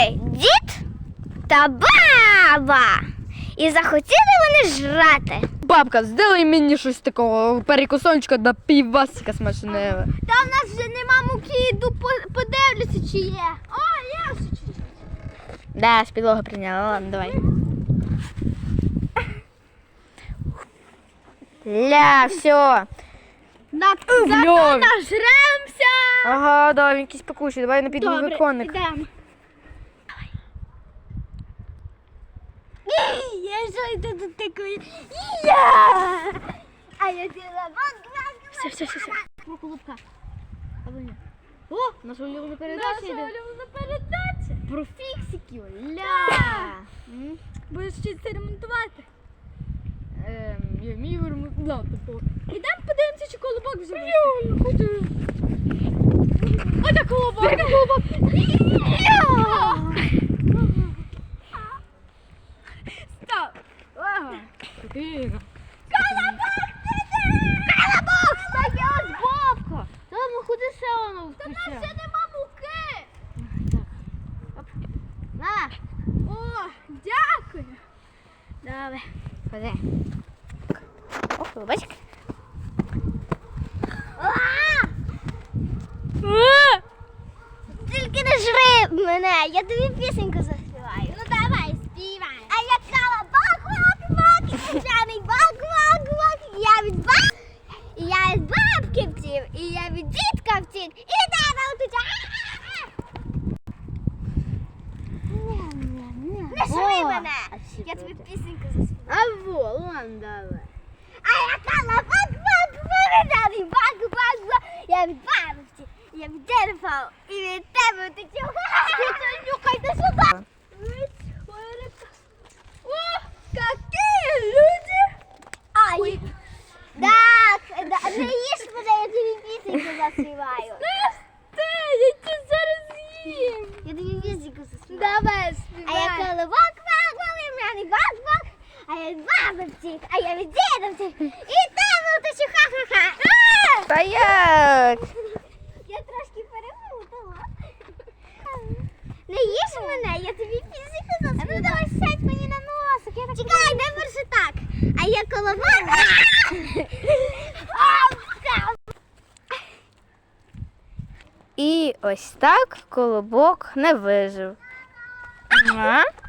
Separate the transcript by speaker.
Speaker 1: жили дід та баба. І захотіли вони жрати.
Speaker 2: Бабка, сделай мені щось такого перекусончика до півасика смачного.
Speaker 1: Та в нас вже нема муки, йду подивлюся, чи є. О, є вже чуть-чуть.
Speaker 2: Да, з підлоги прийняла, ладно, давай. Ля, все.
Speaker 1: Зато
Speaker 2: Льові.
Speaker 1: нажремся.
Speaker 2: Ага, да, він якийсь пекучий, давай на піду
Speaker 1: Добре,
Speaker 2: виконник.
Speaker 1: йдемо. Я ж йду до такої. А я діла.
Speaker 2: Все.
Speaker 1: Про колобка.
Speaker 2: О, наша улюблена передача йде.
Speaker 1: Передача.
Speaker 2: Про фіксиків, ля.
Speaker 1: Будеш вчитися ремонтувати.
Speaker 2: Я вмію ремонтувати.
Speaker 1: Ідемо подивимося, чи колобок вже вийшов.
Speaker 2: Я не хочу.
Speaker 1: Оце колобок. Стоп.
Speaker 2: Спокійно.
Speaker 1: Колобок! Так я ось бабка.
Speaker 2: Та ну ходи ще воно
Speaker 1: Та в нас ще нема муки.
Speaker 2: На,
Speaker 1: О, дякую.
Speaker 2: давай. Ходи. О, колобочок.
Speaker 1: Тільки не жри мене, я тобі пісеньку заспіваю. Ну давай, співай. А я колобок, вак, і піжаний вак. Я від бабки втів, і я від дітка втік, і від тебе утеча. Не жри мене. Я тобі пісеньку заспіваю.
Speaker 2: А во, ладно, давай.
Speaker 1: А я колобок, піжаний вак. Я від бабки, я від дерева, і від тебе утечу. Нюхайте сюди. О, какие люди! Ай! Так, не їж мене, я тобі пісеньку заспіваю. Я тебе зараз їм. Я тобі пісеньку заспіваю. Давай, співай. А я колобок, вак, вак, а я від баби втік, а я від діда втік, і тебе утечу, ха-ха-ха.
Speaker 2: Та як?
Speaker 1: Я трошки перемутала. Не їж мене, я тобі пісеньку заспіваю. Ну давай сядь мені на носик. Чекай, дай перше так. А я колобок.
Speaker 2: І ось так колобок не вижив. Ага.